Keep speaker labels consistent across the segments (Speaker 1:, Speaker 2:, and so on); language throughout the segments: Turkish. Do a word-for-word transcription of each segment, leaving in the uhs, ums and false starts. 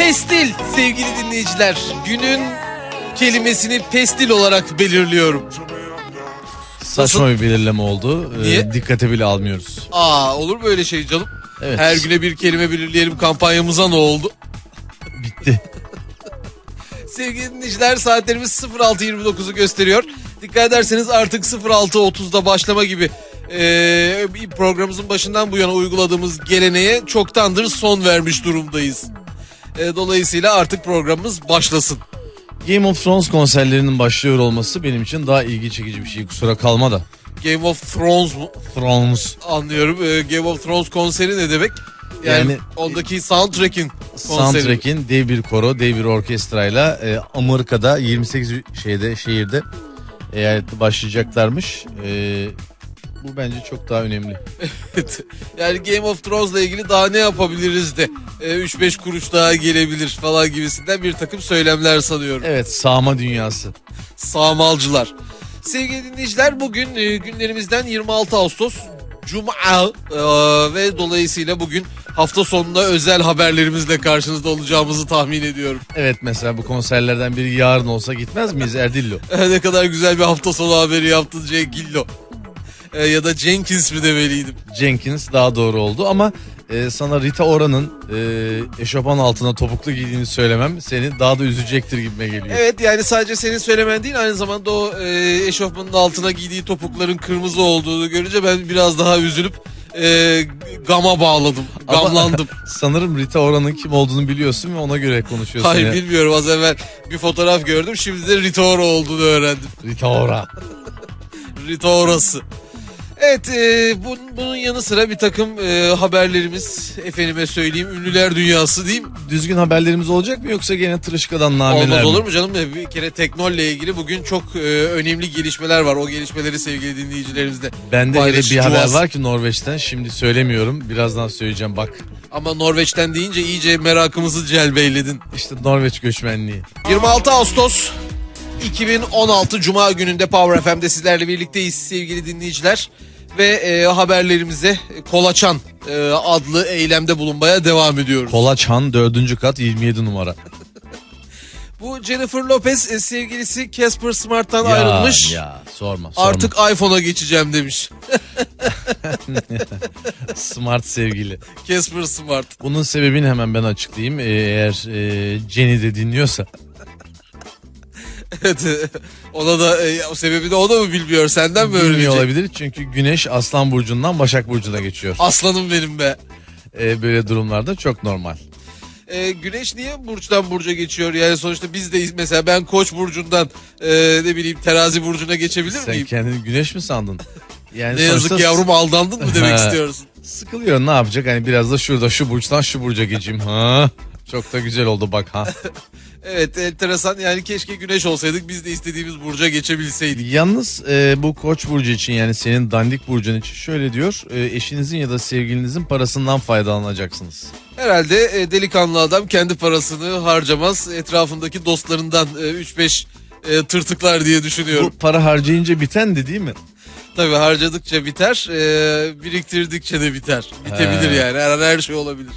Speaker 1: Pestil sevgili dinleyiciler. Günün kelimesini pestil olarak belirliyorum.
Speaker 2: Saçma
Speaker 1: Nasıl?
Speaker 2: bir belirleme oldu.
Speaker 1: Niye?
Speaker 2: Ee, dikkate bile almıyoruz.
Speaker 1: Aa, olur mu öyle şey canım?
Speaker 2: Evet.
Speaker 1: Her güne bir kelime belirleyelim kampanyamıza ne oldu?
Speaker 2: Bitti.
Speaker 1: Sevgili dinleyiciler, saatlerimiz sıfır altı yirmi dokuzu gösteriyor. Dikkat ederseniz artık sıfır altı otuzda başlama gibi e, programımızın başından bu yana uyguladığımız geleneğe çoktandır son vermiş durumdayız. E, dolayısıyla artık programımız başlasın.
Speaker 2: Game of Thrones konserlerinin başlıyor olması benim için daha ilgi çekici bir şey. Kusura kalma da.
Speaker 1: Game of Thrones mu?
Speaker 2: Thrones.
Speaker 1: Anlıyorum. E, Game of Thrones konseri ne demek? Yani, yani ondaki soundtrack'in konseri.
Speaker 2: Soundtrack'in dev bir koro, dev bir orkestrayla e, Amerika'da yirmi sekiz şeyde şehirde eyalette başlayacaklarmış. E, bu bence çok daha önemli.
Speaker 1: Evet. Yani Game of Thrones'la ilgili daha ne yapabiliriz de e, üç beş kuruş daha gelebilir falan gibisinden bir takım söylemler sanıyorum.
Speaker 2: Evet, sağma dünyası.
Speaker 1: Sağmalcılar. Sevgili dinleyiciler, bugün e, günlerimizden yirmi altı Ağustos Cuma e, ve dolayısıyla bugün hafta sonunda özel haberlerimizle karşınızda olacağımızı tahmin ediyorum.
Speaker 2: Evet, mesela bu konserlerden biri yarın olsa gitmez miyiz Erdillo?
Speaker 1: Ne kadar güzel bir hafta sonu haberi yaptın Cenkillo. E, ya da Jenkins mi demeliydim?
Speaker 2: Jenkins daha doğru oldu ama e, sana Rita Ora'nın e, eşofman altına topuklu giydiğini söylemem seni daha da üzecektir gibime geliyor.
Speaker 1: Evet, yani sadece senin söylemen değil, aynı zamanda o e, eşofmanın altına giydiği topukların kırmızı olduğunu görünce ben biraz daha üzülüp e, gama bağladım, gamlandım.
Speaker 2: Ama sanırım Rita Ora'nın kim olduğunu biliyorsun ve ona göre konuşuyorsun.
Speaker 1: Hayır
Speaker 2: ya.
Speaker 1: Bilmiyorum, az evvel bir fotoğraf gördüm, şimdi de Rita Ora olduğunu öğrendim.
Speaker 2: Rita Ora.
Speaker 1: Rita Orası. Evet, e, bunun, bunun yanı sıra bir takım e, haberlerimiz, efendime söyleyeyim, ünlüler dünyası diyeyim.
Speaker 2: Düzgün haberlerimiz olacak mı yoksa gene tırışkadan nameler
Speaker 1: Olmaz
Speaker 2: mi?
Speaker 1: olur mu canım? Bir kere Teknol'le ilgili bugün çok e, önemli gelişmeler var. O gelişmeleri sevgili dinleyicilerimizle
Speaker 2: Bende öyle bir haber
Speaker 1: paylaşacağız.
Speaker 2: var ki Norveç'ten, şimdi söylemiyorum, birazdan söyleyeceğim bak.
Speaker 1: Ama Norveç'ten deyince iyice merakımızı celbeyledin.
Speaker 2: İşte Norveç göçmenliği.
Speaker 1: yirmi altı Ağustos iki bin on altı Cuma gününde Power F M'de sizlerle birlikteyiz sevgili dinleyiciler. Ve e, haberlerimize Kolaçan e, adlı eylemde bulunmaya devam ediyoruz.
Speaker 2: Kolaçan dördüncü kat yirmi yedi numara.
Speaker 1: Bu Jennifer Lopez e, sevgilisi Casper Smart'tan
Speaker 2: Ya,
Speaker 1: ayrılmış.
Speaker 2: ya sorma sorma.
Speaker 1: Artık iPhone'a geçeceğim demiş.
Speaker 2: Smart sevgili.
Speaker 1: Casper Smart.
Speaker 2: Bunun sebebini hemen ben açıklayayım. Ee, eğer e, Jenny de dinliyorsa.
Speaker 1: Evet, ona da e, o sebebi de o da mı bilmiyor, senden mi
Speaker 2: Bilmiyor
Speaker 1: öğrenecek?
Speaker 2: olabilir çünkü Güneş Aslan Burcu'ndan Başak Burcu'na geçiyor.
Speaker 1: Aslanım benim be.
Speaker 2: Ee, böyle durumlarda çok normal.
Speaker 1: E, Güneş niye burçtan burca geçiyor? Yani sonuçta biz de mesela ben Koç burcundan e, ne bileyim Terazi burcuna geçebilir
Speaker 2: Sen
Speaker 1: miyim?
Speaker 2: kendini Güneş mi sandın? Yani
Speaker 1: Ne yazık
Speaker 2: sonuçta
Speaker 1: yavrum, aldandın mı demek
Speaker 2: Ha.
Speaker 1: istiyorsun?
Speaker 2: Sıkılıyor, ne yapacak? Hani biraz da şurada şu burçtan şu burca geçeyim. Ha. Çok da güzel oldu bak ha.
Speaker 1: Evet, enteresan, yani keşke Güneş olsaydık, biz de istediğimiz burca geçebilseydik.
Speaker 2: Yalnız e, bu Koç burcu için, yani senin dandik burcun için şöyle diyor. E, eşinizin ya da sevgilinizin parasından faydalanacaksınız.
Speaker 1: Herhalde e, delikanlı adam kendi parasını harcamaz, etrafındaki dostlarından e, üç beş e, tırtıklar diye düşünüyorum.
Speaker 2: Bu para harcayınca biten de değil mi?
Speaker 1: Tabii harcadıkça biter, e, biriktirdikçe de biter. Bitebilir
Speaker 2: He.
Speaker 1: yani, her an her şey olabilir.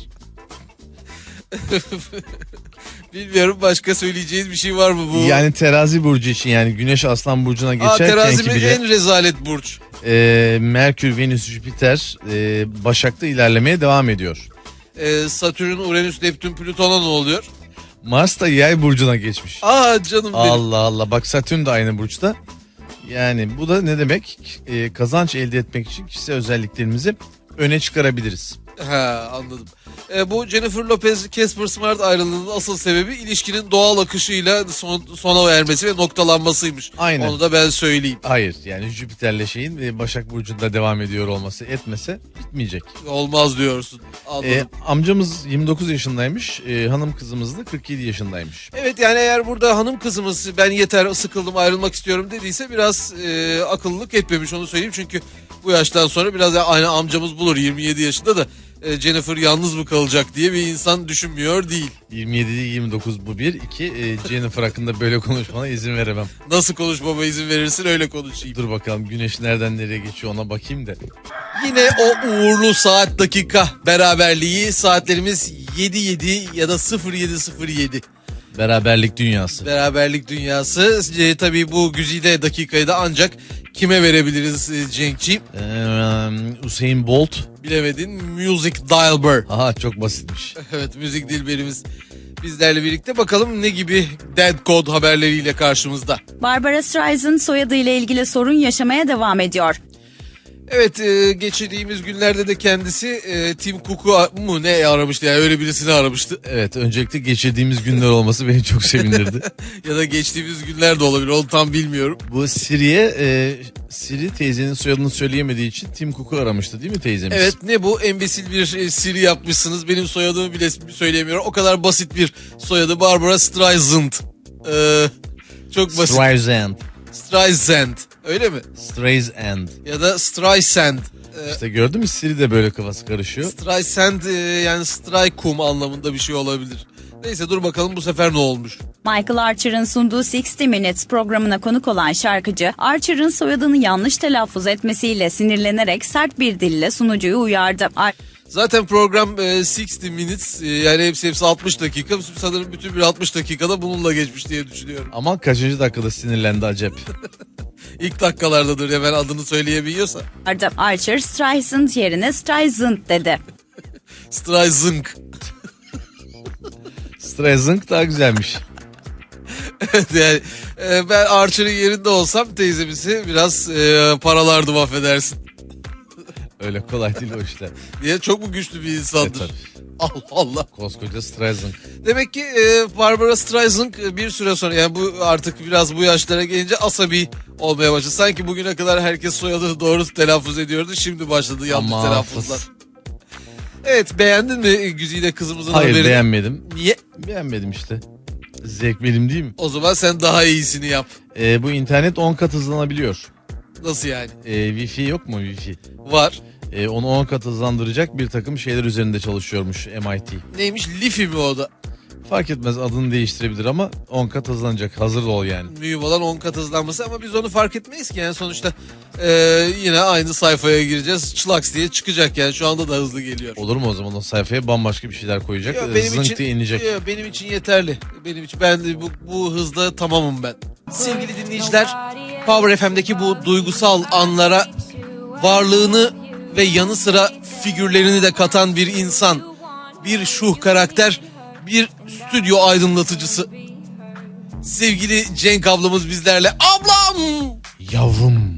Speaker 1: Bilmiyorum, başka söyleyeceğiniz bir şey var mı bu?
Speaker 2: Yani terazi burcu için, yani Güneş Aslan Burcu'na
Speaker 1: Aa,
Speaker 2: geçerken
Speaker 1: terazi
Speaker 2: ki
Speaker 1: mi?
Speaker 2: bile
Speaker 1: En rezalet burç.
Speaker 2: e, Merkür, Venüs, Jüpiter e, Başak'ta ilerlemeye devam ediyor.
Speaker 1: E, Satürn, Uranüs, Neptün, Plüton'a ne oluyor?
Speaker 2: Mars da Yay burcuna geçmiş.
Speaker 1: Aa canım benim.
Speaker 2: Allah Allah, bak Satürn de aynı burçta. Yani bu da ne demek? E, kazanç elde etmek için kişisel özelliklerimizi öne çıkarabiliriz.
Speaker 1: Ha, anladım. E, bu Jennifer Lopez Casper Smart ayrılığının asıl sebebi ilişkinin doğal akışıyla son, sona ermesi ve noktalanmasıymış.
Speaker 2: Aynen.
Speaker 1: Onu da ben söyleyeyim.
Speaker 2: Hayır, yani Jüpiter'le şeyin e, Başak Burcu'nda devam ediyor olması, etmese bitmeyecek.
Speaker 1: Olmaz diyorsun. Anladım.
Speaker 2: E, amcamız yirmi dokuz yaşındaymış, e, hanım kızımız da kırk yedi yaşındaymış.
Speaker 1: Evet, yani eğer burada hanım kızımız ben yeter sıkıldım ayrılmak istiyorum dediyse biraz e, akıllılık etmemiş, onu söyleyeyim. Çünkü bu yaştan sonra biraz aynı amcamız bulur, yirmi yedi yaşında da e, Jennifer yalnız mı kalacak diye bir insan düşünmüyor değil.
Speaker 2: yirmi yedi yirmi dokuz bu bir. İki e, Jennifer hakkında böyle konuşmana izin veremem.
Speaker 1: Nasıl konuşmama izin verirsin öyle konuşayım.
Speaker 2: Dur bakalım güneş nereden nereye geçiyor ona bakayım da.
Speaker 1: Yine o uğurlu saat dakika beraberliği, saatlerimiz yedi yedi ya da sıfır yedi sıfır yedi.
Speaker 2: Beraberlik dünyası.
Speaker 1: Beraberlik dünyası. E, tabii bu güzide dakikayı da ancak kime verebiliriz e, Cenk'ciğim?
Speaker 2: Ee, Usain Bolt.
Speaker 1: Bilemedin. Music Dilber.
Speaker 2: Aha çok basitmiş.
Speaker 1: Evet, müzik dilberimiz bizlerle birlikte. Bakalım ne gibi dead code haberleriyle karşımızda.
Speaker 3: Barbara Streisand soyadıyla ilgili sorun yaşamaya devam ediyor.
Speaker 1: Evet, e, geçirdiğimiz günlerde de kendisi e, Tim Cook'u mu ne aramıştı, yani öyle birisini aramıştı.
Speaker 2: Evet, öncelikle geçirdiğimiz günler olması beni çok sevindirdi.
Speaker 1: Ya da geçtiğimiz günler de olabilir, onu tam bilmiyorum.
Speaker 2: Bu Siri'ye e, Siri teyzenin soyadını söyleyemediği için Tim Cook'u aramıştı değil mi teyzemiz?
Speaker 1: Evet, ne bu embesil bir e, Siri yapmışsınız, benim soyadımı bile söyleyemiyorum. O kadar basit bir soyadı, Barbara Streisand. Ee, çok basit.
Speaker 2: Streisand.
Speaker 1: Streisand. Öyle mi?
Speaker 2: Streisand.
Speaker 1: Ya da Streisand. Ee,
Speaker 2: İşte gördün mü, Siri de böyle kafası karışıyor.
Speaker 1: Streisand e, yani Strykum anlamında bir şey olabilir. Neyse, dur bakalım bu sefer ne olmuş.
Speaker 3: Michael Archer'ın sunduğu altmış Minutes programına konuk olan şarkıcı, Archer'ın soyadını yanlış telaffuz etmesiyle sinirlenerek sert bir dille sunucuyu uyardı. Ar-
Speaker 1: Zaten program e, altmış minutes e, yani hepsi hepsi altmış dakika. Sanırım bütün bir altmış dakikada bununla geçmiş diye düşünüyorum.
Speaker 2: Ama kaçıncı dakikada sinirlendi acep?
Speaker 1: İlk dakikalardadır ya, ben adını söyleyebiliyorsa.
Speaker 3: Archer, Streisand yerine Streisand dedi.
Speaker 1: Streisand.
Speaker 2: Streisand daha güzelmiş.
Speaker 1: Evet, yani e, ben Archer'ın yerinde olsam teyzemizi biraz e, paralardım, affedersin.
Speaker 2: Öyle kolay değil o işler.
Speaker 1: Diye, çok mu güçlü bir insandır?
Speaker 2: Evet,
Speaker 1: Allah Allah.
Speaker 2: Koskoca Streisand.
Speaker 1: Demek ki e, Barbara Streisand e, bir süre sonra, yani bu artık biraz bu yaşlara gelince asabi olmaya başladı. Sanki bugüne kadar herkes soyadını doğru telaffuz ediyordu. Şimdi başladı yanlış
Speaker 2: Ama
Speaker 1: telaffuzlar.
Speaker 2: fıs.
Speaker 1: Evet, beğendin mi Güzide kızımızın
Speaker 2: Hayır,
Speaker 1: haberini?
Speaker 2: beğenmedim.
Speaker 1: Niye?
Speaker 2: Beğenmedim işte. Zevk benim değil mi?
Speaker 1: O zaman sen daha iyisini yap.
Speaker 2: Ee, bu internet on kat hızlanabiliyor.
Speaker 1: Nasıl yani?
Speaker 2: Ee, Wi-Fi yok mu Wi-Fi?
Speaker 1: Var.
Speaker 2: Ee, onu on kat hızlandıracak bir takım şeyler üzerinde çalışıyormuş M I T.
Speaker 1: Neymiş? Lifi mi o da?
Speaker 2: Fark etmez, adını değiştirebilir ama on kat hızlanacak. Hazır ol yani.
Speaker 1: Mühim olan on kat hızlanması, ama biz onu fark etmeyiz ki. Yani sonuçta e, yine aynı sayfaya gireceğiz. Çılaks diye çıkacak, yani şu anda da hızlı geliyor.
Speaker 2: Olur mu o zaman, o sayfaya bambaşka bir şeyler koyacak.
Speaker 1: Yo,
Speaker 2: Zınk
Speaker 1: benim için,
Speaker 2: diye inecek.
Speaker 1: yo, benim için yeterli. Benim için, ben de bu, bu hızda tamamım ben. Sevgili dinleyiciler, Power F M'deki bu duygusal anlara varlığını ve yanı sıra figürlerini de katan bir insan, bir şuh karakter, bir stüdyo aydınlatıcısı. Sevgili Cenk ablamız bizlerle. Ablam!
Speaker 2: Yavrum.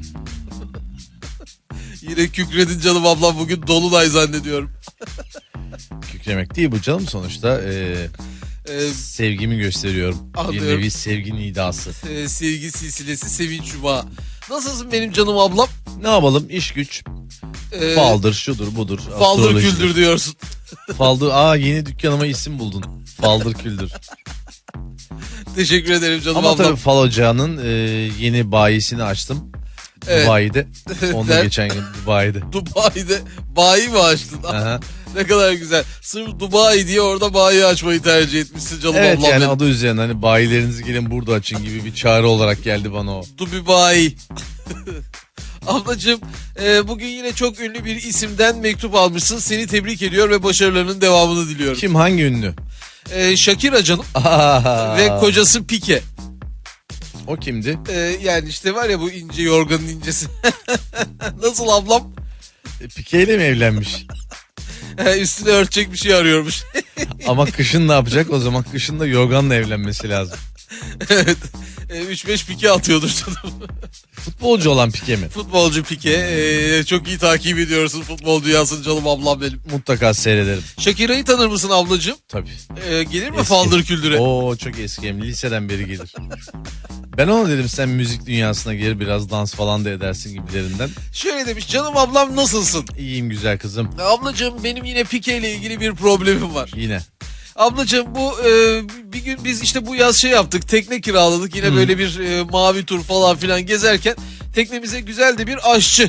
Speaker 1: Yine kükredin canım ablam, bugün dolunay zannediyorum.
Speaker 2: Kükremek değil bu canım, sonuçta ee,
Speaker 1: Ee,
Speaker 2: sevgimi gösteriyorum.
Speaker 1: Anlıyorum.
Speaker 2: Bir nevi sevgi nidası.
Speaker 1: e, sevgi silsilesi, sevinç yumağı. Nasılsın benim canım ablam?
Speaker 2: Ne yapalım, iş güç.
Speaker 1: Ee,
Speaker 2: Faldır, şudur, budur.
Speaker 1: Faldır
Speaker 2: astrolojidir.
Speaker 1: küldür diyorsun.
Speaker 2: Faldır. Aa, yeni dükkanıma isim buldun. Faldır küldür.
Speaker 1: Teşekkür ederim canım
Speaker 2: Ama
Speaker 1: ablam.
Speaker 2: tabii fal ocağının e, yeni bayisini açtım.
Speaker 1: Evet.
Speaker 2: Dubai'de. Onu da
Speaker 1: Ben-
Speaker 2: geçen gün Dubai'de.
Speaker 1: Dubai'de bayi mi açtın?
Speaker 2: Aha.
Speaker 1: Ne kadar güzel. Sırf Dubai diye orada bayi açmayı tercih etmişsin canım
Speaker 2: Evet,
Speaker 1: ablam
Speaker 2: yani
Speaker 1: benim.
Speaker 2: adı üzerine hani bayilerinizi gelin burada açın gibi bir çağrı olarak geldi bana o.
Speaker 1: Dubai bayi. Ablacığım, e, bugün yine çok ünlü bir isimden mektup almışsın. Seni tebrik ediyor ve başarılarının devamını diliyorum.
Speaker 2: Kim, hangi ünlü?
Speaker 1: E, Shakira canım
Speaker 2: Aa,
Speaker 1: ve kocası Pique.
Speaker 2: o kimdi?
Speaker 1: E, yani işte var ya, bu ince yorganın incesi. Nasıl ablam?
Speaker 2: E, Pike ile mi evlenmiş?
Speaker 1: E, üstüne örtecek bir şey arıyormuş.
Speaker 2: Ama kışın ne yapacak? O zaman kışın da yorganla evlenmesi lazım.
Speaker 1: Evet. üç beş pike atıyordur canım.
Speaker 2: Futbolcu olan Pike mi?
Speaker 1: Futbolcu Pike. Ee, çok iyi takip ediyorsun futbol dünyasını canım ablam benim.
Speaker 2: Mutlaka seyrederim.
Speaker 1: Shakira'yı tanır mısın ablacığım?
Speaker 2: Tabii.
Speaker 1: Ee, gelir mi
Speaker 2: Eski.
Speaker 1: faldır küldüre?
Speaker 2: Oo, çok eski, hem liseden beri gelir. Ben ona dedim, sen müzik dünyasına gir, biraz dans falan da edersin gibilerinden.
Speaker 1: Şöyle demiş, canım ablam nasılsın?
Speaker 2: İyiyim güzel kızım.
Speaker 1: Ablacığım, benim yine Pike ile ilgili bir problemim var.
Speaker 2: Yine.
Speaker 1: Ablacığım, bu e, bir gün biz işte bu yaz şey yaptık, tekne kiraladık. Yine
Speaker 2: Hı.
Speaker 1: böyle bir e, mavi tur falan filan gezerken teknemize güzel de bir aşçı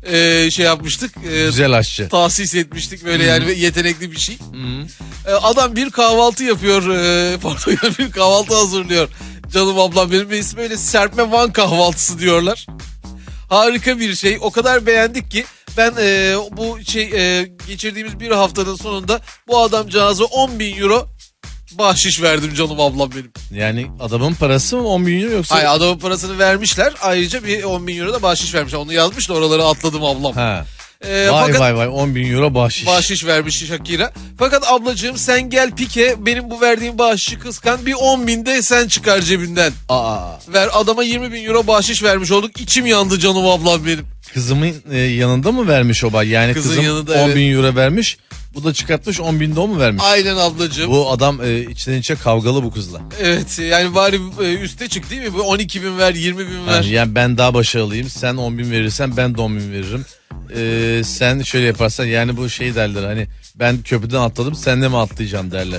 Speaker 1: e, şey yapmıştık. E,
Speaker 2: Güzel aşçı.
Speaker 1: tahsis etmiştik böyle yani yetenekli bir şey.
Speaker 2: Hı.
Speaker 1: E, adam bir kahvaltı yapıyor. E, pardon bir kahvaltı hazırlıyor. Canım ablam benim ve ismi öyle serpme Van kahvaltısı diyorlar. Harika bir şey. O kadar beğendik ki ben e, bu şey e, geçirdiğimiz bir haftanın sonunda bu adamcağıza on bin euro bahşiş verdim canım ablam benim.
Speaker 2: Yani adamın parası mı on bin euro yoksa?
Speaker 1: Hayır adamın parasını vermişler. Ayrıca bir on bin euro da bahşiş vermişler. Onu yazmış da oraları atladım ablam.
Speaker 2: Ha.
Speaker 1: E,
Speaker 2: Vay
Speaker 1: fakat
Speaker 2: vay vay on bin euro bahşiş.
Speaker 1: bahşiş vermiş Shakira. Fakat ablacığım sen gel pike benim bu verdiğim bahşişi kıskan bir on bin de sen çıkar cebinden.
Speaker 2: Aa.
Speaker 1: Ver adama yirmi bin euro bahşiş vermiş olduk. İçim yandı canım ablam benim.
Speaker 2: Kızımın e, yanında mı vermiş o bay? Yani
Speaker 1: Kızın
Speaker 2: kızım
Speaker 1: yanında,
Speaker 2: on bin
Speaker 1: evet.
Speaker 2: euro vermiş. Bu da çıkartmış on bin de o mu vermiş?
Speaker 1: Aynen ablacığım.
Speaker 2: Bu adam e, içten içe kavgalı bu kızla.
Speaker 1: Evet yani bari e, üste çık değil mi? Bu on iki bin ver yirmi bin ver.
Speaker 2: Yani, yani ben daha başarılıyım. Sen on bin verirsen ben de on bin veririm. Ee, sen şöyle yaparsan yani bu şey derler hani ben köprüden atladım sen de mi atlayacaksın derler.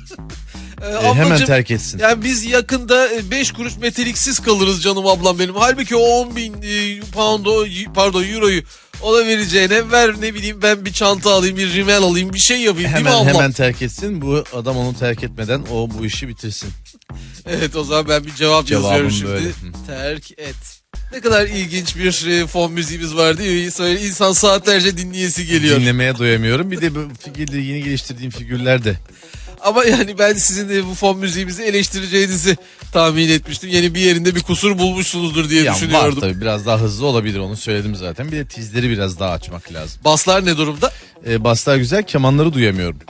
Speaker 1: Ee,
Speaker 2: Ee,
Speaker 1: ablacığım,
Speaker 2: hemen terk etsin.
Speaker 1: yani biz yakında beş kuruş meteliksiz kalırız canım ablam benim. Halbuki o on bin e, pound o, pardon euroyu ona vereceğine ver ne bileyim ben bir çanta alayım bir rimel alayım bir şey yapayım değil mi
Speaker 2: Hemen
Speaker 1: ablam?
Speaker 2: hemen terk etsin. Bu adam onu terk etmeden o bu işi bitirsin.
Speaker 1: Evet o zaman ben bir cevap
Speaker 2: Cevabım
Speaker 1: yazıyorum şimdi.
Speaker 2: böyle. Hı.
Speaker 1: Terk et. Ne kadar ilginç bir e, fon müziğimiz var değil mi? Böyle insan saatlerce dinleyesi geliyor.
Speaker 2: Dinlemeye doyamıyorum. Bir de bu figürde yeni geliştirdiğim figürler de.
Speaker 1: Ama yani ben sizin de bu fon müziğimizi eleştireceğinizi tahmin etmiştim. Yani bir yerinde bir kusur bulmuşsunuzdur diye
Speaker 2: Ya var
Speaker 1: düşünüyordum.
Speaker 2: tabii biraz daha hızlı olabilir onu söyledim zaten. Bir de tizleri biraz daha açmak lazım.
Speaker 1: Baslar ne durumda?
Speaker 2: Ee, baslar güzel kemanları duyamıyorum.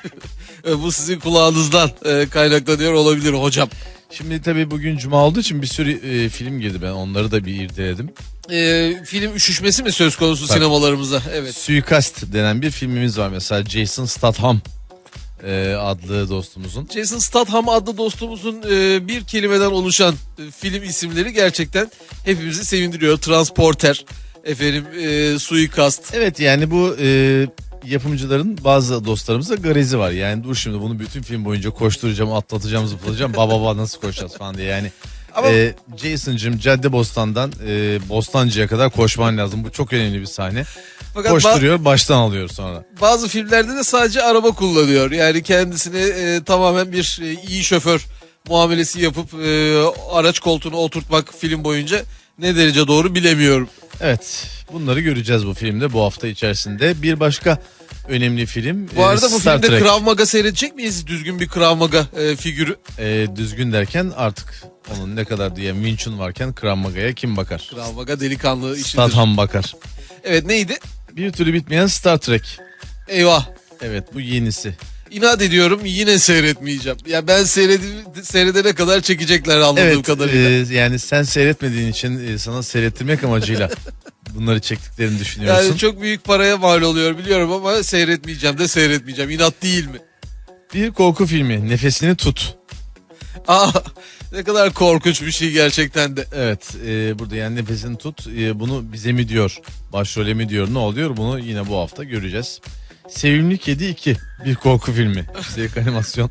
Speaker 1: E, bu sizin kulağınızdan e, kaynaklanıyor olabilir hocam.
Speaker 2: Şimdi tabii bugün cuma olduğu için bir sürü e, film girdi ben onları da bir irdeledim.
Speaker 1: E, film üşüşmesi mi söz konusu
Speaker 2: Tabii.
Speaker 1: sinemalarımıza? Evet.
Speaker 2: Suikast denen bir filmimiz var mesela Jason Statham e, adlı dostumuzun.
Speaker 1: Jason Statham adlı dostumuzun e, bir kelimeden oluşan e, film isimleri gerçekten hepimizi sevindiriyor. Transporter, efendim e, suikast.
Speaker 2: Evet yani bu e, yapımcıların bazı dostlarımızda garezi var. Yani dur şimdi bunu bütün film boyunca koşturacağım, atlatacağım, zıplatacağım. Baba baba nasıl koşacağız falan diye yani.
Speaker 1: Ama
Speaker 2: E, Jason'cığım Caddebostan'dan e, Bostancı'ya kadar koşman lazım. Bu çok önemli bir sahne.
Speaker 1: fakat ba-
Speaker 2: Koşturuyor baştan alıyor sonra.
Speaker 1: bazı filmlerde de sadece araba kullanıyor. Yani kendisine e, tamamen bir e, iyi şoför muamelesi yapıp e, araç koltuğuna oturtmak film boyunca ne derece doğru bilemiyorum.
Speaker 2: Evet bunları göreceğiz bu filmde bu hafta içerisinde. Bir başka önemli film
Speaker 1: Bu
Speaker 2: e,
Speaker 1: arada bu
Speaker 2: Star
Speaker 1: filmde
Speaker 2: Trek.
Speaker 1: Krav Maga seyredecek miyiz? Düzgün bir Krav Maga e, figürü.
Speaker 2: E, düzgün derken artık onun ne kadar diye Wing Chun varken Krav Maga'ya kim bakar?
Speaker 1: Krav Maga delikanlı işidir.
Speaker 2: Statham bakar.
Speaker 1: Evet neydi?
Speaker 2: Bir türlü bitmeyen Star Trek.
Speaker 1: Eyvah.
Speaker 2: Evet bu yenisi.
Speaker 1: İnat ediyorum yine seyretmeyeceğim. Ya ben seyredi- seyredene kadar çekecekler anladığım
Speaker 2: Evet
Speaker 1: kadarıyla.
Speaker 2: e, yani sen seyretmediğin için e, sana seyrettirmek amacıyla bunları çektiklerini düşünüyorsun.
Speaker 1: Yani çok büyük paraya mal oluyor biliyorum ama seyretmeyeceğim de seyretmeyeceğim. İnat değil mi?
Speaker 2: Bir korku filmi Nefesini Tut.
Speaker 1: Aa, ne kadar korkunç bir şey gerçekten de.
Speaker 2: Evet e, burada yani Nefesini Tut e, bunu bize mi diyor başrole mi diyor ne oluyor bunu yine bu hafta göreceğiz. Sevimli Kedi iki bir korku filmi. Üstelik animasyon.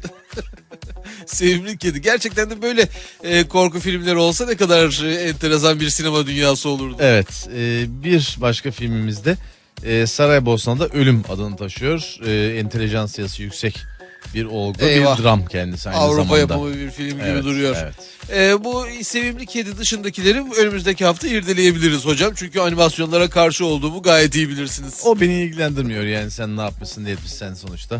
Speaker 1: Sevimli Kedi. Gerçekten de böyle e, korku filmleri olsa ne kadar e, enteresan bir sinema dünyası olurdu.
Speaker 2: Evet e, bir başka filmimizde e, Saraybosna'da Ölüm adını taşıyor. E, entelijansiyası yüksek bir olgu
Speaker 1: Eyvah.
Speaker 2: bir dram kendisi aynı
Speaker 1: Avrupa
Speaker 2: zamanda.
Speaker 1: yapımı bir film gibi
Speaker 2: Evet,
Speaker 1: duruyor.
Speaker 2: evet.
Speaker 1: E, bu Sevimli Kedi dışındakileri önümüzdeki hafta irdeleyebiliriz hocam. Çünkü animasyonlara karşı olduğumu gayet iyi bilirsiniz.
Speaker 2: O beni ilgilendirmiyor yani sen ne yapmışsın ne etmişsen sonuçta.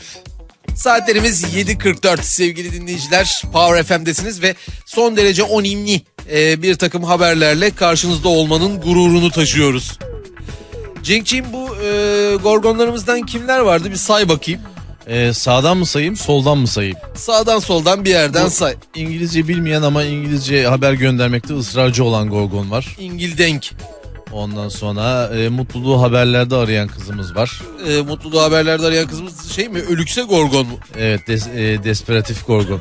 Speaker 1: Saatlerimiz yedi kırk dört sevgili dinleyiciler. Power F M'desiniz ve son derece önemli e, bir takım haberlerle karşınızda olmanın gururunu taşıyoruz. Cenk'ciğim bu e, gorgonlarımızdan kimler vardı bir say bakayım.
Speaker 2: Ee, sağdan mı sayayım soldan mı sayayım?
Speaker 1: Sağdan soldan bir yerden
Speaker 2: Bu-
Speaker 1: say.
Speaker 2: İngilizce bilmeyen ama İngilizce haber göndermekte ısrarcı olan Gorgon var.
Speaker 1: İngildenk.
Speaker 2: Ondan sonra e, mutluluğu haberlerde arayan kızımız var.
Speaker 1: E, mutluluğu haberlerde arayan kızımız şey mi? Ölükse Gorgon mu?
Speaker 2: Evet des, e, Desperatif Gorgon.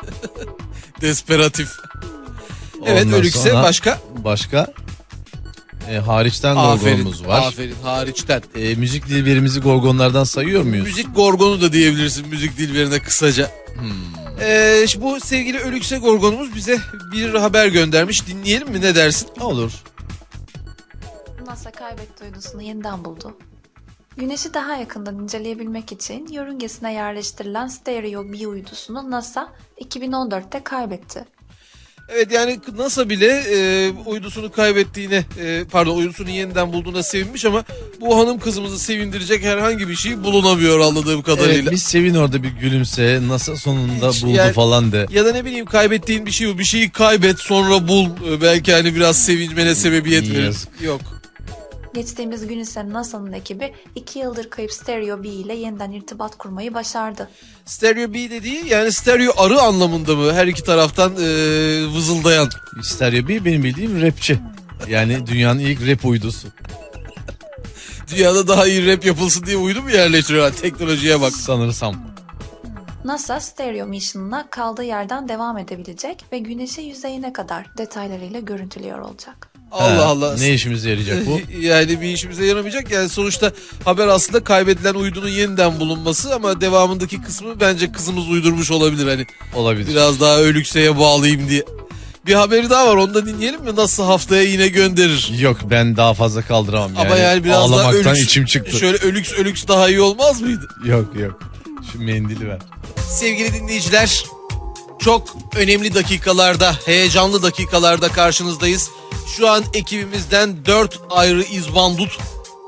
Speaker 1: Desperatif. Evet
Speaker 2: Ondan
Speaker 1: ölükse
Speaker 2: sonra
Speaker 1: başka?
Speaker 2: Başka e, hariçten
Speaker 1: Aferin.
Speaker 2: Gorgon'umuz var.
Speaker 1: Aferin hariçten.
Speaker 2: E, müzik dilberimizi Gorgonlardan sayıyor muyuz?
Speaker 1: Müzik Gorgon'u da diyebilirsin müzik dilberine kısaca.
Speaker 2: Hmm.
Speaker 1: Ee, işte bu sevgili Ölükse Gorgon'umuz bize bir haber göndermiş. Dinleyelim mi ne dersin?
Speaker 2: Olur.
Speaker 4: NASA kaybetti uydusunu yeniden buldu. Güneşi daha yakından inceleyebilmek için yörüngesine yerleştirilen Stereo B uydusunu NASA iki bin on dörtte kaybetti.
Speaker 1: Evet, yani NASA bile e, uydusunu kaybettiğine e, pardon uydusunu yeniden bulduğuna sevinmiş ama bu hanım kızımızı sevindirecek herhangi bir şey bulunamıyor anladığım kadarıyla.
Speaker 2: Evet, bir sevin orada, bir gülümse, NASA sonunda
Speaker 1: Hiç,
Speaker 2: buldu
Speaker 1: yani-
Speaker 2: falan de.
Speaker 1: Ya da ne bileyim, kaybettiğin bir şey bu. Bir şeyi kaybet sonra bul. E, belki hani biraz sevinmene sebebiyet verir.
Speaker 2: Yazık.
Speaker 1: Yok.
Speaker 4: Geçtiğimiz gün ise NASA'nın ekibi iki yıldır kayıp Stereo B ile yeniden irtibat kurmayı başardı.
Speaker 1: Stereo B dediği yani stereo arı anlamında mı? Her iki taraftan e, vızıldayan.
Speaker 2: Stereo B benim bildiğim rapçi. Yani dünyanın ilk rap uydusu.
Speaker 1: Dünyada daha iyi rap yapılsın diye uydu mu yerleştiriyorlar? Teknolojiye bak.
Speaker 2: Sanırsam.
Speaker 4: NASA Stereo Mission'ına kaldığı yerden devam edebilecek ve Güneş'e yüzeyine kadar detaylarıyla görüntülüyor olacak.
Speaker 1: Allah
Speaker 2: Ha,
Speaker 1: Allah.
Speaker 2: Ne işimize yarayacak bu?
Speaker 1: Yani bir işimize yaramayacak. Yani sonuçta haber aslında kaybedilen uydunun yeniden bulunması ama devamındaki kısmı bence kızımız uydurmuş olabilir. Hani
Speaker 2: Olabilir.
Speaker 1: biraz daha ölükseye bağlayayım diye. Bir haberi daha var, onu da dinleyelim mi? Nasıl haftaya yine gönderir.
Speaker 2: Yok, ben daha fazla kaldıramam. Yani
Speaker 1: Ama yani biraz daha
Speaker 2: ağlamaktan
Speaker 1: ölüks,
Speaker 2: içim çıktı.
Speaker 1: şöyle ölüks ölüks daha iyi olmaz mıydı?
Speaker 2: Yok yok. Şu mendili ver.
Speaker 1: Sevgili dinleyiciler, çok önemli dakikalarda, heyecanlı dakikalarda karşınızdayız. Şu an ekibimizden dört ayrı izbandut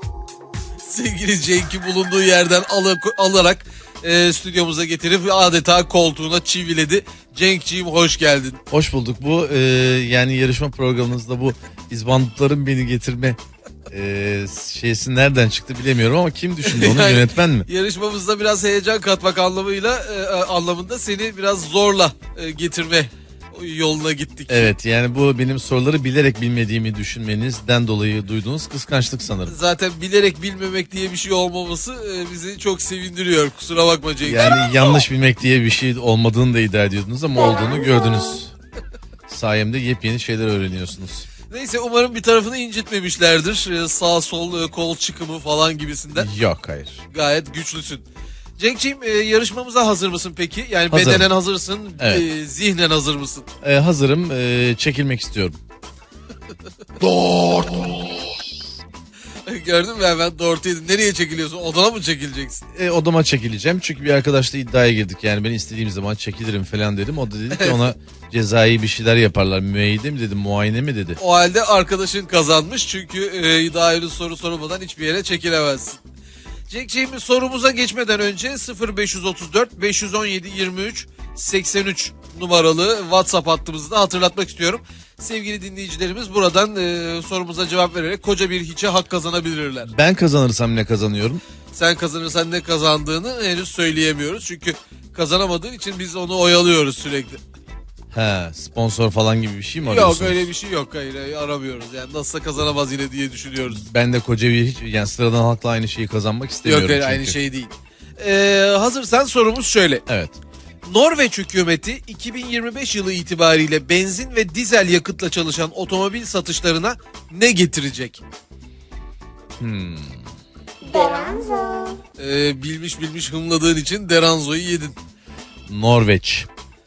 Speaker 1: sevgili Cenk'i bulunduğu yerden al- alarak e, stüdyomuza getirip adeta koltuğuna çiviledi. Cenk'ciğim hoş geldin.
Speaker 2: Hoş bulduk. Bu e, yani yarışma programınızda bu izbandutların beni getirme e, şeysi nereden çıktı bilemiyorum ama kim düşündü onu,
Speaker 1: Yani-
Speaker 2: yönetmen mi?
Speaker 1: Yarışmamızda biraz heyecan katmak anlamıyla e, anlamında seni biraz zorla e, getirme yoluna gittik.
Speaker 2: Evet, yani bu benim soruları bilerek bilmediğimi düşünmenizden dolayı duyduğunuz kıskançlık sanırım.
Speaker 1: Zaten bilerek bilmemek diye bir şey olmaması e, bizi çok sevindiriyor. Kusura bakma Cenk.
Speaker 2: Yani yanlış bilmek diye bir şey olmadığını da iddia ediyordunuz ama olduğunu gördünüz. Sayemde yepyeni şeyler öğreniyorsunuz.
Speaker 1: Neyse, umarım bir tarafını incitmemişlerdir. Ee, Sağ sol e, kol çıkımı falan gibisinden.
Speaker 2: Yok, hayır.
Speaker 1: Gayet güçlüsün. Cenk'ciğim, e, yarışmamıza hazır mısın peki? Yani
Speaker 2: Hazırım.
Speaker 1: bedenen hazırsın,
Speaker 2: Evet.
Speaker 1: e, zihnen hazır mısın?
Speaker 2: E, hazırım, e, çekilmek istiyorum.
Speaker 1: Gördün mü, hemen doğru yedin. Nereye çekiliyorsun? Odana mı çekileceksin?
Speaker 2: E, odama çekileceğim çünkü bir arkadaşla iddiaya girdik. Yani ben istediğim zaman çekilirim falan dedim. O da dedi ki ona cezai bir şeyler yaparlar. Müeyyide mi dedi, muayene mi dedi.
Speaker 1: O halde arkadaşın kazanmış çünkü e, daha henüz soru sormadan hiçbir yere çekilemezsin. Cenk'ciğim, sorumuza geçmeden önce sıfır beş otuz dört beş on yedi yirmi üç seksen üç numaralı WhatsApp hattımızı da hatırlatmak istiyorum. Sevgili dinleyicilerimiz buradan e, sorumuza cevap vererek koca bir hiçe hak kazanabilirler.
Speaker 2: Ben kazanırsam ne kazanıyorum?
Speaker 1: Sen kazanırsan ne kazandığını henüz söyleyemiyoruz. Çünkü kazanamadığın için biz onu oyalıyoruz sürekli.
Speaker 2: He, sponsor falan gibi bir şey mi arıyorsunuz?
Speaker 1: Yok, öyle bir şey yok. Hayır, hayır, aramıyoruz. Yani nasılsa kazanamaz yine diye düşünüyoruz.
Speaker 2: Ben de koca bir hiç, yani sıradan halkla aynı şeyi kazanmak istemiyorum
Speaker 1: Yok, hayır,
Speaker 2: çünkü.
Speaker 1: aynı şey değil. Ee, hazırsan sorumuz şöyle.
Speaker 2: Evet.
Speaker 1: Norveç hükümeti iki bin yirmi beş yılı itibariyle benzin ve dizel yakıtla çalışan otomobil satışlarına ne getirecek?
Speaker 2: Hmm.
Speaker 1: Ee, bilmiş bilmiş hımladığın için Deranzo'yu yedin.
Speaker 2: Norveç.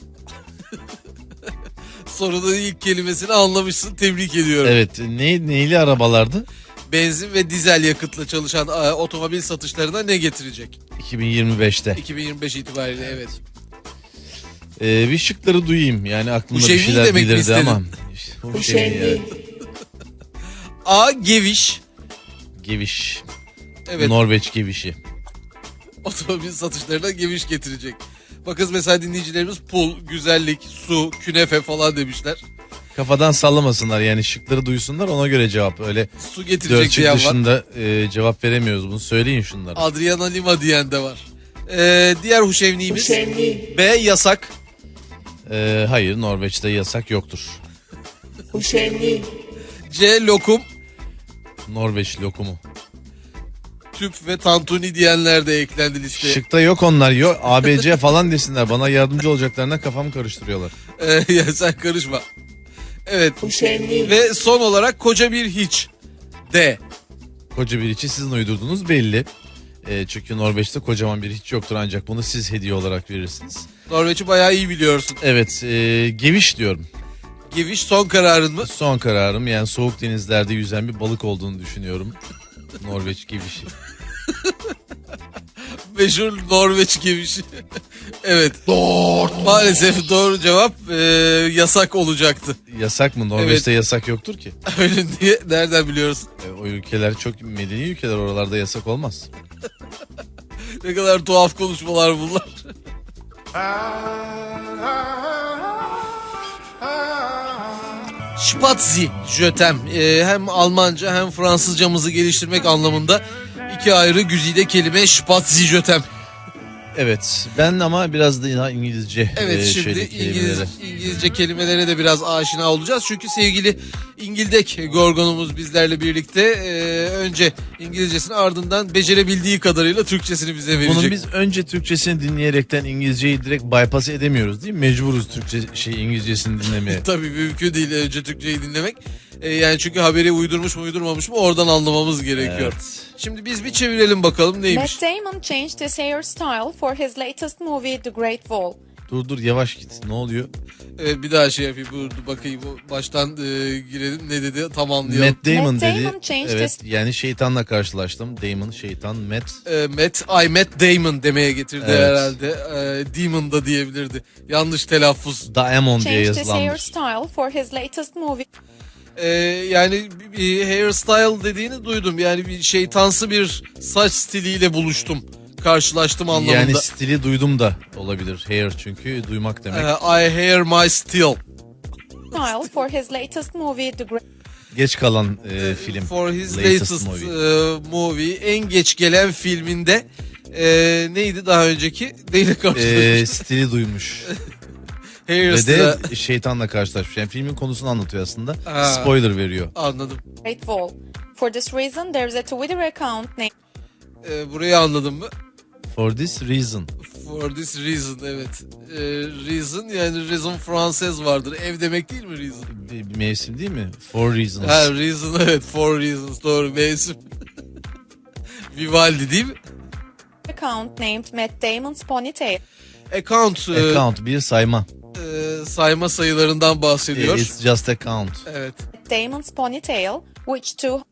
Speaker 1: Sorunun ilk kelimesini anlamışsın. Tebrik ediyorum.
Speaker 2: Evet, ne, neyli arabalardı?
Speaker 1: Benzin ve dizel yakıtla çalışan e, otomobil satışlarına ne getirecek?
Speaker 2: iki bin yirmi beşte.
Speaker 1: iki bin yirmi beş itibariyle, evet.
Speaker 2: Ee, bir şıkları duyayım. Yani aklımda bir
Speaker 1: Huşevni
Speaker 2: şeyler
Speaker 1: demek mi
Speaker 2: belirdi
Speaker 1: istedin?
Speaker 2: ama. Huşevni, evet.
Speaker 1: A. Geviş.
Speaker 2: Geviş.
Speaker 1: Evet.
Speaker 2: Norveç gevişi.
Speaker 1: Otomobil satışlarına geviş getirecek. Bakın mesela dinleyicilerimiz pul, güzellik, su, künefe falan demişler.
Speaker 2: Kafadan sallamasınlar yani, şıkları duysunlar, ona göre cevap. Öyle
Speaker 1: Su
Speaker 2: dört
Speaker 1: getirecek
Speaker 2: şık
Speaker 1: diyen var.
Speaker 2: dışında e, cevap veremiyoruz, bunu söyleyin şunları.
Speaker 1: Adriana Lima diyen de var. Ee, diğer huşevniğimiz B. Yasak.
Speaker 2: Ee, hayır, Norveç'te yasak yoktur.
Speaker 1: C. Lokum.
Speaker 2: Norveç lokumu.
Speaker 1: Tüp ve tantuni diyenler de eklendi listeye.
Speaker 2: Şıkta yok onlar, yok. A B C falan desinler, bana yardımcı olacaklarına kafamı karıştırıyorlar.
Speaker 1: Ee, ya sen karışma. Evet. Ve son olarak koca bir hiç. D.
Speaker 2: Koca bir içi sizin uydurduğunuz belli. E, çünkü Norveç'te kocaman bir hiç yoktur, ancak bunu siz hediye olarak verirsiniz.
Speaker 1: Norveç'i bayağı iyi biliyorsun.
Speaker 2: Evet, e, geviş diyorum.
Speaker 1: Geviş son kararın mı?
Speaker 2: Son kararım, yani soğuk denizlerde yüzen bir balık olduğunu düşünüyorum. Norveç gevişi.
Speaker 1: Meşhur Norveç gevişi. Evet. Doğru. Maalesef doğru cevap e, yasak olacaktı.
Speaker 2: Yasak mı? Norveç'te
Speaker 1: Evet.
Speaker 2: yasak yoktur ki.
Speaker 1: Öyle diye nereden biliyorsun?
Speaker 2: E, o ülkeler çok medeni ülkeler, oralarda yasak olmaz.
Speaker 1: Ne kadar tuhaf konuşmalar bunlar. Spazi, jötem. Ee, hem Almanca hem Fransızcamızı geliştirmek anlamında iki ayrı güzide kelime Spazi, jötem.
Speaker 2: Evet, ben ama biraz da İngilizce
Speaker 1: Evet,
Speaker 2: e,
Speaker 1: şimdi
Speaker 2: şeydeki
Speaker 1: İngiliz,
Speaker 2: kelimelere.
Speaker 1: İngilizce kelimelere de biraz aşina olacağız. Çünkü sevgili İngildek Gorgon'umuz bizlerle birlikte e, önce İngilizcesini, ardından becerebildiği kadarıyla Türkçesini bize verecek.
Speaker 2: Bunun biz önce Türkçesini dinleyerekten İngilizceyi direkt bypass edemiyoruz değil mi? Mecburuz Türkçe şey İngilizcesini dinlemeye.
Speaker 1: Tabii mümkün değil önce Türkçeyi dinlemek. E, yani çünkü haberi uydurmuş mu uydurmamış mı oradan anlamamız gerekiyor.
Speaker 2: Evet.
Speaker 1: Şimdi biz bir çevirelim bakalım neymiş.
Speaker 5: Matt Damon changed his hairstyle for his latest movie The Great Wall.
Speaker 2: Dur dur yavaş git, ne oluyor?
Speaker 1: Evet, bir daha şey yapayım, dur bakayım baştan e, girelim, ne dedi tam anlayalım.
Speaker 2: Matt Damon
Speaker 5: Matt
Speaker 2: dedi.
Speaker 5: Damon changed
Speaker 2: Evet,
Speaker 5: his-
Speaker 2: yani şeytanla karşılaştım. Damon, şeytan, Matt.
Speaker 1: E, Matt, I Matt Damon demeye getirdi
Speaker 2: Evet.
Speaker 1: herhalde. E, Demon da diyebilirdi. Yanlış telaffuz.
Speaker 2: Diamond diye
Speaker 5: Changed his
Speaker 2: yazılanmış.
Speaker 5: hairstyle for his latest movie.
Speaker 1: E, yani bir, bir hairstyle dediğini duydum. Yani bir şeytansı bir saç stiliyle buluştum. Karşılaştım anlamında.
Speaker 2: Yani stili duydum da olabilir. Hair çünkü duymak demek.
Speaker 1: E, I hear my style.
Speaker 5: Style for his latest movie The Great
Speaker 2: Geç kalan e, film.
Speaker 1: For his latest,
Speaker 2: movie.
Speaker 1: e, movie. En geç gelen filminde e, neydi daha önceki? Neyle
Speaker 2: E,
Speaker 1: karşılaşmış?
Speaker 2: stili duymuş. Ve
Speaker 1: Hairstyle.
Speaker 2: de şeytanla karşılaşmış. Yani filmin konusunu anlatıyor aslında.
Speaker 1: Ha.
Speaker 2: Spoiler veriyor.
Speaker 1: Anladım.
Speaker 5: Wall. For this reason there is a Twitter account named
Speaker 1: E, burayı anladın mı?
Speaker 2: For this reason.
Speaker 1: For this reason, evet. E, reason yani reason Fransız vardır. Ev demek değil mi reason?
Speaker 2: Bir, bir mevsim değil mi? For reasons.
Speaker 1: Ha, reason, evet, for reasons, doğru, mevsim. Vivaldi değil mi?
Speaker 5: account named Matt Damon's ponytail.
Speaker 1: Account, e,
Speaker 2: Account bir sayma.
Speaker 1: e, sayma sayılarından bahsediyor.
Speaker 2: It's just a count.
Speaker 1: Evet.
Speaker 5: Matt Damon's ponytail, which two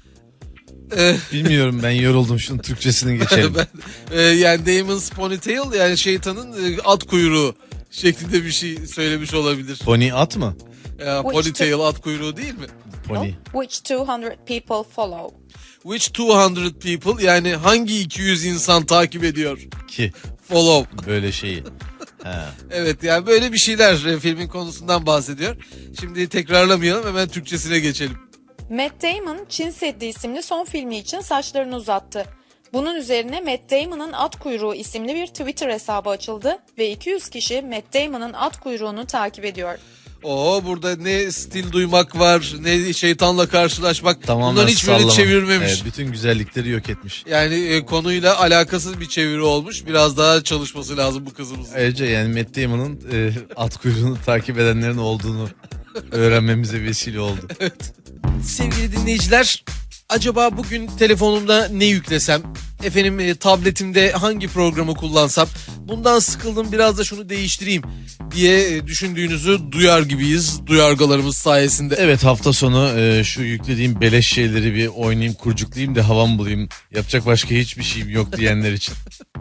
Speaker 1: E,
Speaker 2: Bilmiyorum, ben yoruldum, şunun Türkçesini geçelim.
Speaker 1: ben, e, yani Damon's ponytail yani şeytanın e, at kuyruğu şeklinde bir şey söylemiş olabilir.
Speaker 2: Pony at mı?
Speaker 1: Ya, ponytail at kuyruğu değil mi?
Speaker 2: Pony.
Speaker 5: which two hundred people follow.
Speaker 1: Which two hundred people yani hangi iki yüz insan takip ediyor?
Speaker 2: Ki
Speaker 1: Follow.
Speaker 2: böyle şeyi. Ha.
Speaker 1: Evet, yani böyle bir şeyler e, filmin konusundan bahsediyor. Şimdi tekrarlamayalım, hemen Türkçesine geçelim.
Speaker 5: Matt Damon, Çin Seddi isimli son filmi için saçlarını uzattı. Bunun üzerine Matt Damon'ın At Kuyruğu isimli bir Twitter hesabı açıldı ve iki yüz kişi Matt Damon'ın at kuyruğunu takip ediyor.
Speaker 1: Oo, burada ne stil duymak var, ne şeytanla karşılaşmak.
Speaker 2: Tamamen
Speaker 1: Bunların hiçbirini
Speaker 2: sallama.
Speaker 1: çevirmemiş.
Speaker 2: Evet, bütün güzellikleri yok etmiş.
Speaker 1: Yani e, konuyla alakasız bir çeviri olmuş. Biraz daha çalışması lazım bu kızımızın.
Speaker 2: Ayrıca yani Matt Damon'ın e, at kuyruğunu takip edenlerin olduğunu öğrenmemize vesile oldu.
Speaker 1: Sevgili dinleyiciler, acaba bugün telefonumda ne yüklesem? Efendim e, tabletimde hangi programı kullansam? Bundan sıkıldım, biraz da şunu değiştireyim diye e, düşündüğünüzü duyar gibiyiz duyargalarımız sayesinde.
Speaker 2: Evet, hafta sonu e, şu yüklediğim beleş şeyleri bir oynayayım, kurcuklayayım da havam bulayım. Yapacak başka hiçbir şeyim yok diyenler için.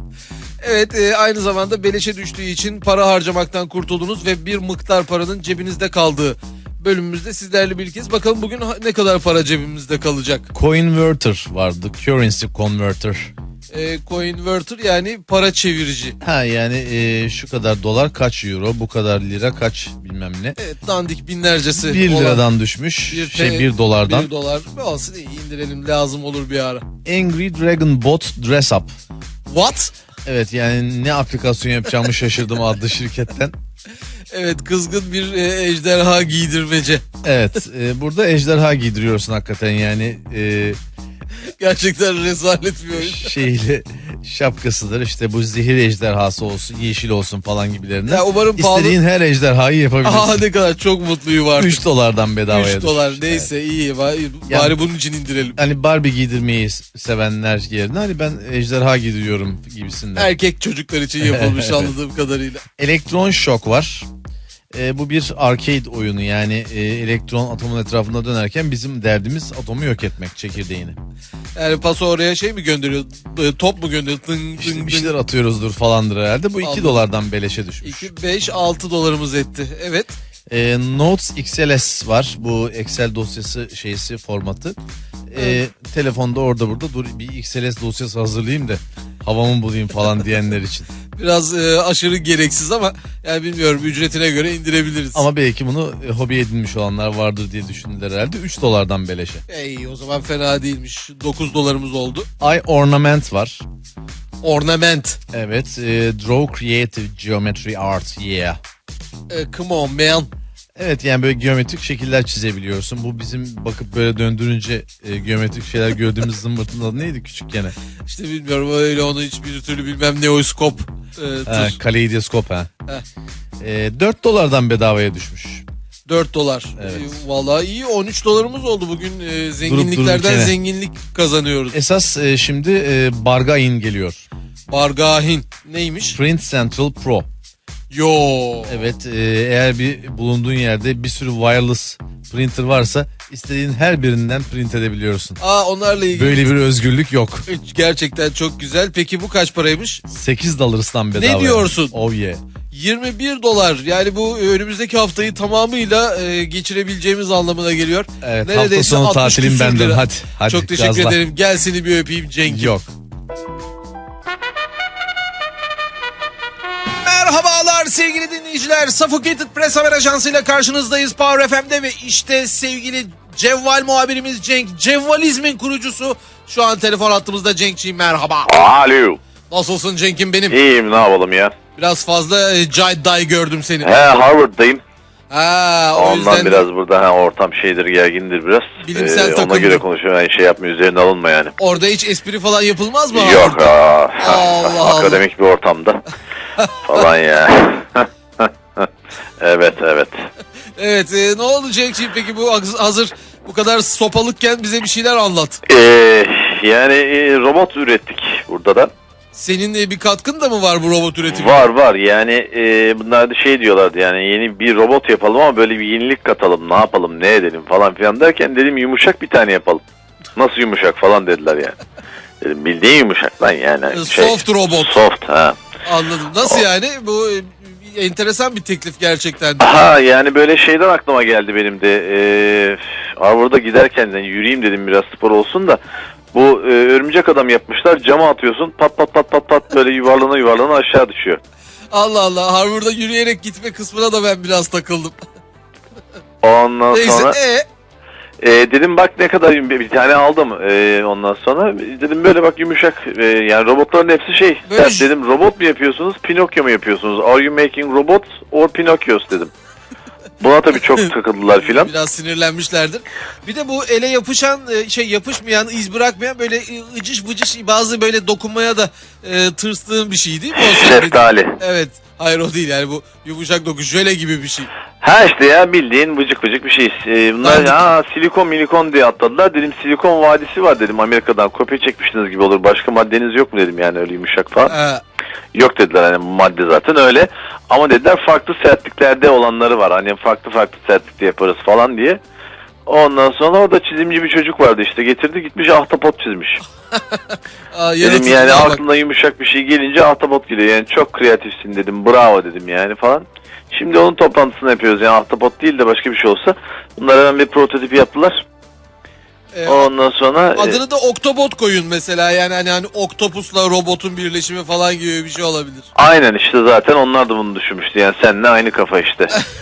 Speaker 1: Evet, e, aynı zamanda beleşe düştüğü için para harcamaktan kurtuldunuz ve bir miktar paranın cebinizde kaldığı bölümümüzde sizlerle birlikteyiz. Bakalım bugün ha- ne kadar para cebimizde kalacak?
Speaker 2: Coinverter vardı. Currency Converter.
Speaker 1: E, Coinverter yani para çevirici.
Speaker 2: Ha yani e, şu kadar dolar kaç euro, bu kadar lira kaç bilmem ne.
Speaker 1: Evet, dandik binlercesi.
Speaker 2: Bir
Speaker 1: olan
Speaker 2: liradan düşmüş.
Speaker 1: bir
Speaker 2: şey
Speaker 1: te-
Speaker 2: bir dolardan.
Speaker 1: Bir dolar olsun, iyi indirelim, lazım olur bir ara.
Speaker 2: Angry Dragon Bot Dress Up.
Speaker 1: What?
Speaker 2: Evet, yani ne aplikasyon yapacağımı şaşırdım adlı şirketten.
Speaker 1: Evet, kızgın bir e, ejderha giydirmece.
Speaker 2: Evet, e, burada ejderha giydiriyorsun hakikaten yani. E,
Speaker 1: Gerçekten rezalet bir oyun.
Speaker 2: şeyle şapkasıdır işte, bu zehir ejderhası olsun, yeşil olsun falan gibilerinden.
Speaker 1: Ya umarım pahalı.
Speaker 2: İstediğin her ejderhayı yapabilirsin.
Speaker 1: Aha, ne kadar çok mutluyum artık.
Speaker 2: üç dolardan bedavaya
Speaker 1: üç dolar
Speaker 2: düşmüş.
Speaker 1: neyse, iyi. Bari,
Speaker 2: Ya-
Speaker 1: bari bunun için indirelim.
Speaker 2: Hani Barbie giydirmeyi sevenler yerine hani ben ejderha giydiriyorum gibisinden.
Speaker 1: Erkek çocuklar için yapılmış anladığım kadarıyla.
Speaker 2: Elektron şok var. E, bu bir arcade oyunu, yani e, elektron atomun etrafında dönerken bizim derdimiz atomu yok etmek, çekirdeğini.
Speaker 1: Yani paso oraya şey mi gönderiyor? e, Top mu gönderiyor? Dın,
Speaker 2: İşte
Speaker 1: dın,
Speaker 2: bir
Speaker 1: dın.
Speaker 2: şeyler atıyoruzdur falandır herhalde. Bu iki
Speaker 1: Anladım.
Speaker 2: dolardan beleşe düşmüş.
Speaker 1: iki, beş, altı dolarımız etti. Evet.
Speaker 2: E, Notes X L S var. Bu Excel dosyası şeysi, formatı. E, telefonda orada burada dur bir X L S dosyası hazırlayayım da havamı bulayım falan diyenler için.
Speaker 1: Biraz e, aşırı gereksiz ama yani bilmiyorum, ücretine göre indirebiliriz.
Speaker 2: Ama belki bunu e, hobi edinmiş olanlar vardır diye düşündüler herhalde. üç dolardan beleşe.
Speaker 1: Ey, o zaman fena değilmiş. dokuz dolarımız oldu.
Speaker 2: I Ornament var.
Speaker 1: Ornament.
Speaker 2: Evet. E, Draw Creative Geometry Art. Yeah.
Speaker 1: E, come on man.
Speaker 2: Evet, yani böyle geometrik şekiller çizebiliyorsun. Bu bizim bakıp böyle döndürünce e, geometrik şeyler gördüğümüz zımbırtının adı neydi küçükken?
Speaker 1: İşte bilmiyorum, öyle onu hiçbir türlü bilmem, neoskop. E,
Speaker 2: Ha,
Speaker 1: tır.
Speaker 2: kaleidoskop ha.
Speaker 1: Heh.
Speaker 2: E, dört dolardan bedavaya düşmüş.
Speaker 1: dört dolar.
Speaker 2: Evet.
Speaker 1: E, vallahi iyi, on üç dolarımız oldu bugün. E, zenginliklerden
Speaker 2: dururken.
Speaker 1: zenginlik kazanıyoruz.
Speaker 2: Esas e, şimdi e, Bargain geliyor.
Speaker 1: Bargahin neymiş?
Speaker 2: Print Central Pro.
Speaker 1: Yo.
Speaker 2: Evet, e, eğer bir bulunduğun yerde bir sürü wireless printer varsa istediğin her birinden print edebiliyorsun.
Speaker 1: Aa, onlarla ilgili.
Speaker 2: Böyle bir özgürlük yok.
Speaker 1: Gerçekten çok güzel. Peki bu kaç paraymış?
Speaker 2: sekiz dolardan bedava.
Speaker 1: Ne diyorsun?
Speaker 2: Oh yeah.
Speaker 1: yirmi bir dolar. Yani bu önümüzdeki haftayı tamamıyla e, geçirebileceğimiz anlamına geliyor.
Speaker 2: Evet,
Speaker 1: Neredeyse
Speaker 2: hafta sonu
Speaker 1: altmış
Speaker 2: tatilim
Speaker 1: küsür
Speaker 2: benden.
Speaker 1: lira.
Speaker 2: Hadi, hadi.
Speaker 1: Çok teşekkür
Speaker 2: gazla.
Speaker 1: ederim. Gel seni bir öpeyim Cenk'im.
Speaker 2: Yok.
Speaker 1: Merhabalar sevgili dinleyiciler. Suffocated Press Haber Ajansı ile karşınızdayız Power F M'de ve işte sevgili Cevval muhabirimiz Cenk, Cevvalizmin kurucusu şu an telefon hattımızda. Cenk'ciğim merhaba.
Speaker 6: Alo.
Speaker 1: Nasılsın Cenk'im benim?
Speaker 6: İyiyim, ne yapalım ya.
Speaker 1: Biraz fazla e, cayday gördüm seni.
Speaker 6: He, Harvard'dayım.
Speaker 1: Ha, o
Speaker 6: Ondan
Speaker 1: yüzden
Speaker 6: biraz burada ha, ortam şeydir, gergindir biraz.
Speaker 1: Bilimsel
Speaker 6: Ona
Speaker 1: takıldım.
Speaker 6: göre konuşuyorum, yani şey yapma, üzerine alınma yani.
Speaker 1: orada hiç espri falan yapılmaz mı?
Speaker 6: Yok
Speaker 1: Harvard'da?
Speaker 6: aa,
Speaker 1: Allah Allah.
Speaker 6: akademik bir ortamda falan ya. Evet evet.
Speaker 1: Evet, e, ne oldu Cenk'ciğim peki, bu hazır bu kadar sopalıkken bize bir şeyler anlat.
Speaker 6: Ee, yani e, robot ürettik burada da.
Speaker 1: Senin e, bir katkın da mı var bu robot üretimine?
Speaker 6: Var var yani e, bunlar da şey diyorlardı, yani yeni bir robot yapalım ama böyle bir yenilik katalım, ne yapalım, ne edelim falan filan derken dedim yumuşak bir tane yapalım. Nasıl yumuşak falan dediler yani. Dedim bildiğin yumuşak lan yani.
Speaker 1: E,
Speaker 6: Şey,
Speaker 1: soft robot.
Speaker 6: Soft ha.
Speaker 1: Anladım. Nasıl
Speaker 6: O-
Speaker 1: yani? Bu e, enteresan bir teklif gerçekten.
Speaker 6: Ha yani böyle şeyden aklıma geldi benim de. Ee, Harvard'a giderken yani yürüyeyim dedim, biraz spor olsun da. Bu e, örümcek adam yapmışlar, cama atıyorsun, pat pat pat pat pat böyle yuvarlana yuvarlana aşağı düşüyor.
Speaker 1: Allah Allah, Harvard'a yürüyerek gitme kısmına da ben biraz takıldım.
Speaker 6: Ondan
Speaker 1: Neyse,
Speaker 6: sonra
Speaker 1: e
Speaker 6: e, dedim bak ne kadar, bir, bir tane aldım. E, ondan sonra dedim böyle bak yumuşak, e, yani robotların hepsi şey.
Speaker 1: Böyle
Speaker 6: Ya
Speaker 1: j-
Speaker 6: dedim robot mu yapıyorsunuz, Pinokyo mu yapıyorsunuz? Are you making robots or Pinocchios dedim. Buna tabii çok takıldılar filan.
Speaker 1: biraz sinirlenmişlerdir. Bir de bu ele yapışan e, şey, yapışmayan, iz bırakmayan, böyle e, ıcış bıcış, bazı böyle dokunmaya da e, tırstığın bir şey değil mi o senin dediğin?
Speaker 6: Şeftali.
Speaker 1: Evet. Hayır, o değil yani, bu yumuşak doku, jöle gibi bir şey.
Speaker 6: Ha işte ya, bildiğin vıcık vıcık bir şey. Ee, bunlar
Speaker 1: Dandik.
Speaker 6: ha, silikon milikon diye atladılar. Dedim silikon vadisi var dedim, Amerika'dan kopya çekmiştiniz gibi olur. Başka maddeniz yok mu dedim, yani öyle yumuşak falan.
Speaker 1: Ha,
Speaker 6: Yok dediler, hani bu madde zaten öyle. Ama dediler farklı sertliklerde olanları var. Hani farklı farklı sertlikte yaparız falan diye. Ondan sonra orada çizimci bir çocuk vardı, işte getirdi gitmiş ahtapot çizmiş.
Speaker 1: aa,
Speaker 6: Dedim
Speaker 1: yanıtını
Speaker 6: yani
Speaker 1: al bak.
Speaker 6: aklına yumuşak bir şey gelince ahtapot geliyor. Yani çok kreatifsin dedim, bravo dedim yani falan. Şimdi onun toplantısını yapıyoruz, yani ahtapot değil de başka bir şey olsa. Bunlar hemen bir prototipi yaptılar.
Speaker 1: E,
Speaker 6: Ondan sonra e,
Speaker 1: adını da Octobot koyun mesela, yani hani, hani oktopusla robotun birleşimi falan gibi bir şey olabilir.
Speaker 6: aynen işte zaten onlar da bunu düşünmüştü. Yani seninle aynı kafa işte.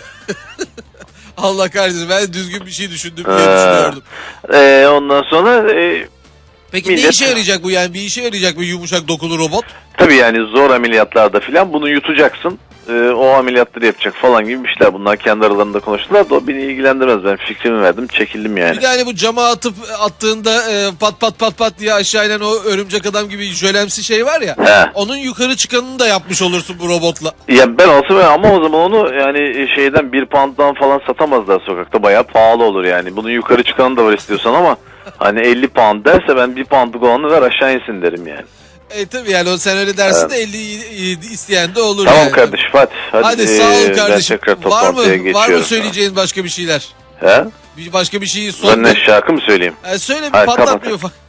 Speaker 1: Allah kahretsin, ben düzgün bir şey düşündüm diye
Speaker 6: Ee,
Speaker 1: düşünüyordum.
Speaker 6: e, ondan sonra e,
Speaker 1: Peki ne
Speaker 6: millet-
Speaker 1: işe yarayacak bu, yani bir işe yarayacak bir yumuşak dokulu robot?
Speaker 6: tabii yani zor ameliyatlarda filan bunu yutacaksın. E, o ameliyatları yapacak falan gibi bir şeyler. Bunlar kendi aralarında konuştular da o beni ilgilendirmez. Ben fikrimi verdim, çekildim yani.
Speaker 1: Bir de hani bu cama atıp attığında e, pat pat pat pat diye aşağı inen o örümcek adam gibi jölemsi şey var ya.
Speaker 6: He.
Speaker 1: Onun yukarı çıkanını da yapmış olursun bu robotla.
Speaker 6: Ya ben olsam ama o zaman onu yani şeyden bir pound'dan falan satamazlar sokakta. Bayağı pahalı olur yani. Bunun yukarı çıkanı da var istiyorsan ama hani elli pound derse ben bir poundluk olanı ver aşağı insin derim yani.
Speaker 1: E tabii yani o sen öyle dersin de elli isteyen de olur
Speaker 6: Tamam
Speaker 1: yani.
Speaker 6: kardeşim hadi. Hadi,
Speaker 1: Hadi sağ ol
Speaker 6: ee,
Speaker 1: kardeşim.
Speaker 6: Ben tekrar
Speaker 1: Var mı
Speaker 6: toplantıya geçiyorum.
Speaker 1: var mı söyleyeceğin başka bir şeyler?
Speaker 6: He?
Speaker 1: Bir başka bir şeyi
Speaker 6: Ben
Speaker 1: son.
Speaker 6: ne şarkı mı söyleyeyim?
Speaker 1: E, söyle bir
Speaker 6: Hadi
Speaker 1: patlat
Speaker 6: kapat.
Speaker 1: bir ufak.